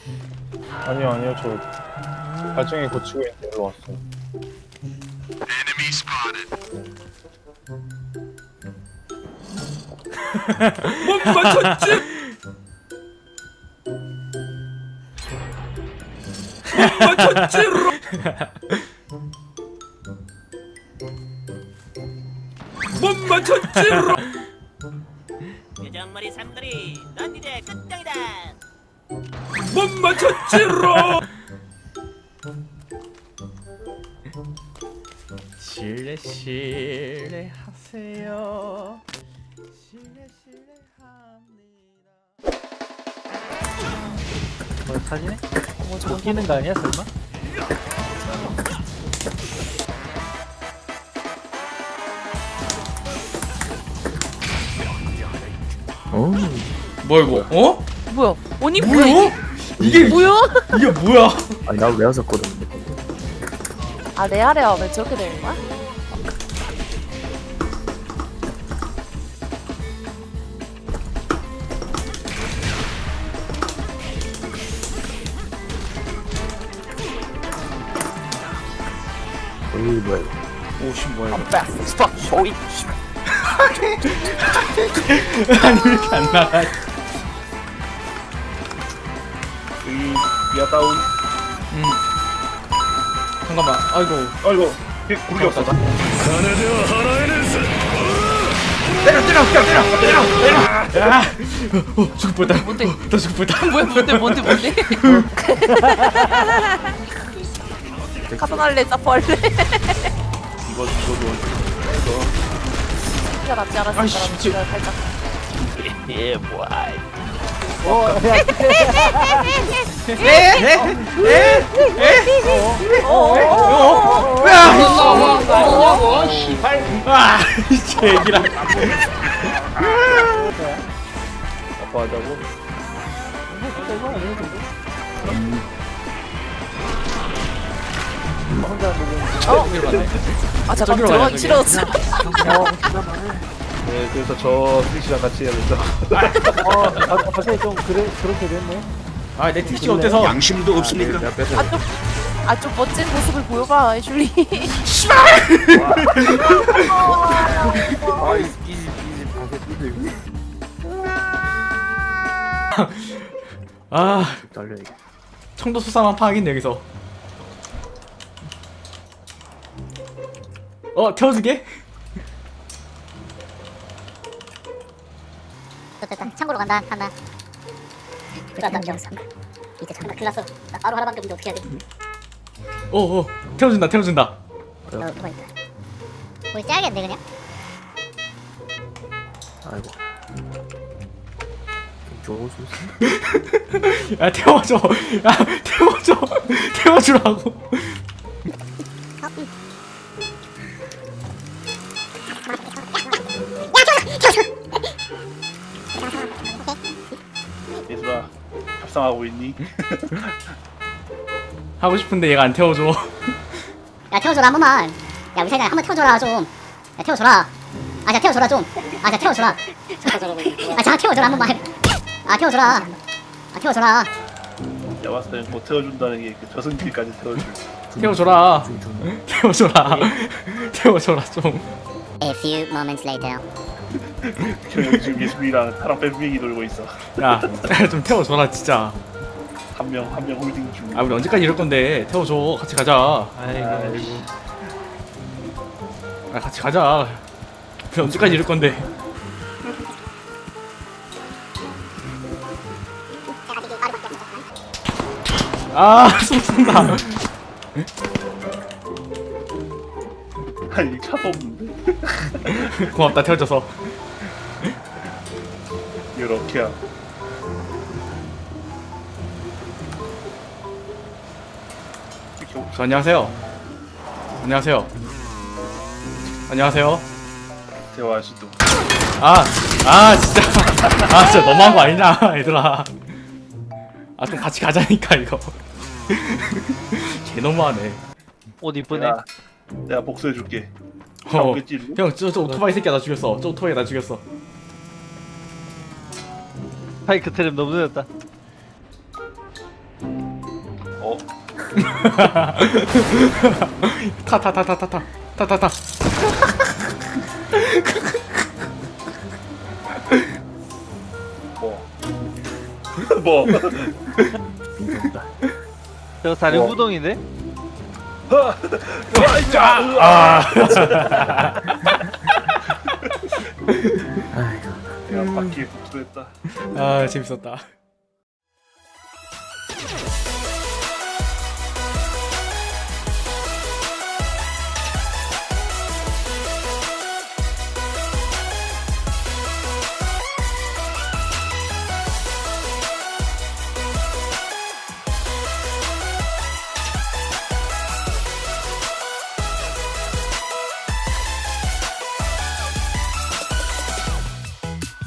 아니요, 저 발전기 고치고 있는데 일로 왔어요. 못 맞췄지? 못 맞췄지? 못 맞췄지? 요정머리 삼돌이 넌 이제 끝장이다. 못 맞췄지? 실례 하세요. 실례 합니다. 사진에? 저거 끼는 거 아니야 설마? 뭐야 이거? 어? 뭐야? 아니 뭐야? 이게 뭐야? 이게 뭐야? 아니 나도 외웠었거든. 아 레아레아 왜 저렇게 되는 거야? 어이 뭐야 이거. 오씨 뭐야 이거? 스톱 소이. 아니 왜 이렇게 안 나가? 야 다운. 잠깐만. 아이고. 아이고 구르기 없어. 야! 죽을 뻔했다. 뭔데? 나 죽을 뻔했다. 뭔데? 카도날레 짜포할래? 이거 진짜 낫지 않았을까? 아이씨, 진짜 살짝. 예, 뭐야. 아, 이 새끼랑. 아파하자고. 아 잠깐 저기로 저건 가야 돼, 싫어. 네, 그래서 저 스위치랑 같이 해야겠죠. 갑자기 좀 그렇게 됐네. 아, 내 트위치가 어때서? 양심도 없습니까? 내가 뺏어. 아좀 멋진 모습을 보여봐, 애슐리. 아이 이지 방패 삐들. 아, 달려 이게. 청도 수사만 파악인데 여기서. 태워주게? 됐다. 창고로 간다. 들어갔다. 이제 잠깐 큰일 났어. 나 바로 하나밖에 없는데 어떻게 해야 돼? 태워준다. 누가 있다. 우리 째야겠네 그냥. 아이고. 좀 줘줄 수. 야, 태워줘. 야, 태워주라고. 얘들아 합상하고 있니? 하고 싶은데 얘가 안 태워줘. 야 태워줘라 한 번만. 야 우리 사장 한번 태워줘라 좀. 야 태워줘라. 자 태워줘라 좀. 자 태워줘라. 자 태워줘라 한 번만. 태워줘라. 내가 봤을 때는 곧 태워준다는 게 저승길까지 태워줄. 태워줘라. 태워줘라 좀. A few moments later. 형 지금 예수이랑 타랑 뱀빙이 놀고 있어. 야, 좀 태워줘라 진짜. 한 명 홀딩 중. 아, 우리 언제까지 이럴 건데? 태워줘. 같이 가자. 아이고. 아, 같이 가자. 우리 언제까지 이럴 건데? 아, 숨 쏜다. 아니 차도 없는데. 고맙다 태워줘서. 이렇게야. 안녕하세요. 대화할 수도. 진짜. 진짜 너무한 거 아니냐, 얘들아. 좀 같이 가자니까 이거. 개 너무하네. 옷 이쁘네. 내가 복수해줄게. 오겠지? 형, 저 오토바이 새끼야 나 죽였어. 저 오토바이 나 죽였어. 파이크 트랩 너무 늦었다. 어? 타타타타타타타타타. 뭐? 뭐? 저거 사륜구동인데? 아. 야 바퀴에 복수했다. 아 재밌었다.